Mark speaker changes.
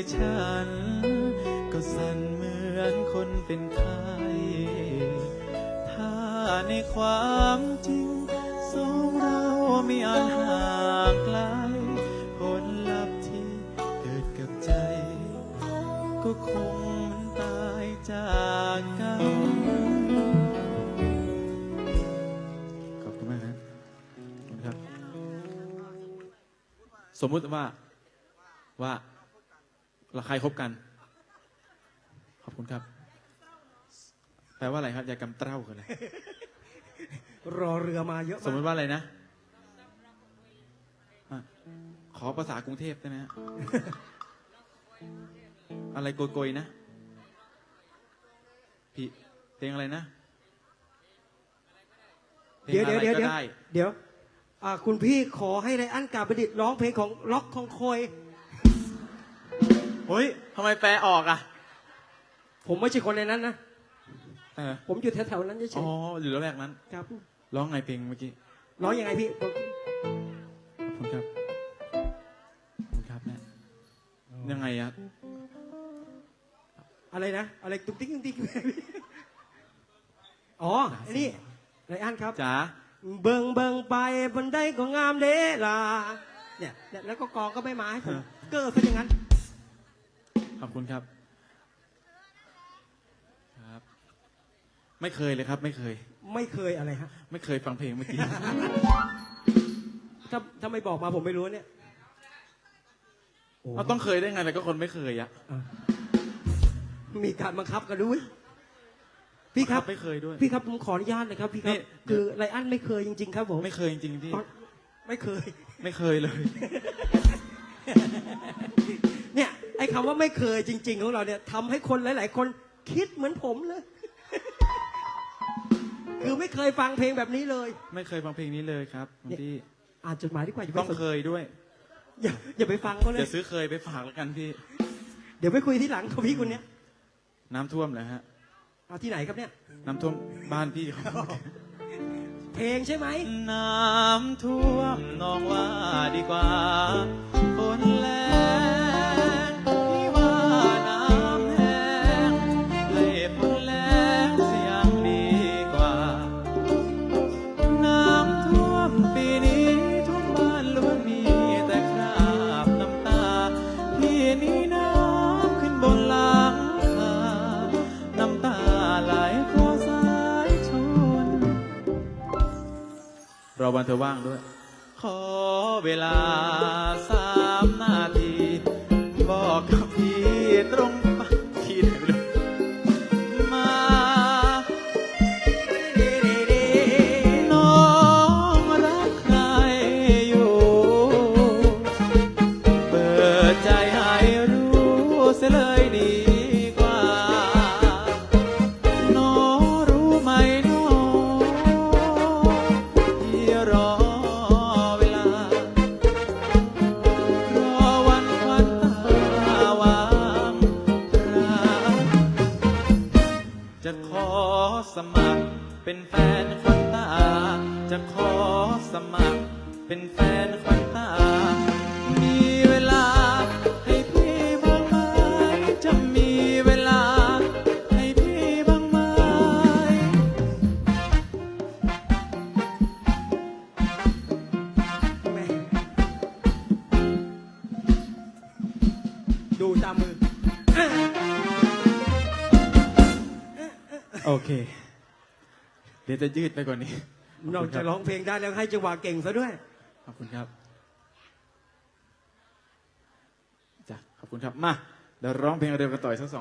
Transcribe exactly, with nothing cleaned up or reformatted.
Speaker 1: ฉันก็สั่นเหมือนคนเป็นไข้ถ้าในความจริงสองเราไม่อาจห่างไกลผลลัพธ์ที่เกิดกับใจก็คงมันตายจากกันขอบคุณมากครับขอบคุณครับสมมุติว่าว่าเราใครคบกันขอบคุณครับแปลว่าอะไรครับยากำเต้าคืออะไร
Speaker 2: รอเรือมาเยอะ
Speaker 1: สมมติว่าอะไรนะอะขอภาษากรุงเทพได้ไหมฮะ อะไรโกยๆนะพี่เพลงอะไรนะ
Speaker 2: เดี๋ยวเดี๋ยวเดี๋ยว
Speaker 1: พลง
Speaker 2: เดี๋ยว
Speaker 1: อะไรก็ได้
Speaker 2: เดี๋ยวอ่าคุณพี่ขอให้ไรอันกาบดิตร้องเพลงของล็อกของคอย
Speaker 1: เฮ้ยทำไมแปลออกอ่ะ
Speaker 2: ผมไม่ใช่คนในนั้นนะ
Speaker 1: เออ
Speaker 2: ผมอยู่แถวๆนั้นเฉ
Speaker 1: อ๋
Speaker 2: ย
Speaker 1: ออยู่แล้วแรกนั้น
Speaker 2: ๆครับ
Speaker 1: ร้องไงเพลงเมื่อกี้
Speaker 2: ร้องยังไงพี่
Speaker 1: ขอบคุณครับขอบคุณครับแม่ยังไงอะ
Speaker 2: อะไรนะอะไรตุ๊กติ๊กตุ๊กติ๊กอ๋อไอ้นี่ไรอันครับ
Speaker 1: จ๋า
Speaker 2: เบิ่งเบิ่งไปบนได้ก็งามเด้ล่ะเนี่ยเนี่ยแล้วก็กองก็ไม่มาให้ผมเกิดซะอย่างนั้น
Speaker 1: ขอบคุณครับครับ ไม่เคยเลยครับ ไม่เคย
Speaker 2: ไม่เคยอะไรฮะ
Speaker 1: ไม่เคยฟังเพลงเมื่อกี้
Speaker 2: ถ้าถ้าไม่บอกมาผมไม่รู้เนี่ยโ
Speaker 1: เราต้องเคยได้ไงแต่ก็คนไม่เคยอะ
Speaker 2: อ่ะมีการบังคับกันด้วยพี่ครับ
Speaker 1: ไม่เคยด้วย
Speaker 2: พี่ครับผมขออนุญาตเลยครับพี่ครับ
Speaker 1: นี่
Speaker 2: คือไรอันไม่เคยจริง ๆ ครับผม
Speaker 1: ไม่เคยจริงๆพี่
Speaker 2: อ๋อไม่เคย
Speaker 1: ไม่เคยเลย
Speaker 2: เนี่ยไอ้คำว่าไม่เคยจริง ๆ ของเราเนี่ยทำให้คนหลาย ๆ คนคิดเหมือนผมเลย คือไม่เคยฟังเพลงแบบนี้เลย
Speaker 1: ไม่เคยฟังเพลงนี้เลยครับคุณพี่
Speaker 2: อ่านจดหมายดีกว่าอย่า
Speaker 1: ต้อง
Speaker 2: ไปสน
Speaker 1: เคยด้วย
Speaker 2: อย่าอย่าไปฟังเขาเลย
Speaker 1: เดี๋ยวซื้อเคยไปฝากแล้วกันพี่
Speaker 2: เดี๋ยวไปคุยที่หลังกับพี่คนเนี้ย
Speaker 1: น้ำท่วมเหรอฮะ
Speaker 2: เอาที่ไหนครับเนี่ย
Speaker 1: น้ำท่วมบ้านพี่เขา
Speaker 2: เพลงใช่ไหม
Speaker 1: น้ำท่วมนองว่าดีกว่าฝนแรงพี่ว่าน้ำแห้งให้ฝนแรงเสียงดีกว่า น้ำท่วมปีนี้ทุกบ้านล้วนมีแต่คราบน้ำตาพี่นี้น้ำขึ้นบนหลังคาน้ำตาไหลเพราะสายชน รอวันเธอว่างด้วย ขอเวลาสามนาที บอกกับพี่ตรงปากที่ไหนไม่รู้มาน้องรักใครอยู่ เปิดใจให้รู้เสียเลยดีกว่า น้องรู้ไหมน้องที่รอเวลารอวันควันตาวางรักจะขอสมัครเป็นแฟนควันตา จะขอสมัครเป็นแฟนควันตา มีเวลาให้พี่บ้างไหมจะมีเวลาให้พี่บ้างไหม
Speaker 2: แม่ดูตามมือ
Speaker 1: โอเค เดี๋ยวจะยืดไปกว่านี้
Speaker 2: นอกจากร้องเพลงได้แล้วให้จังหวะเก่งซะด้วย
Speaker 1: ขอบคุณครับจ้ะขอบคุณครับ มา เดี๋ยวร้องเพลงเร็วกันต่ออีกสักสอง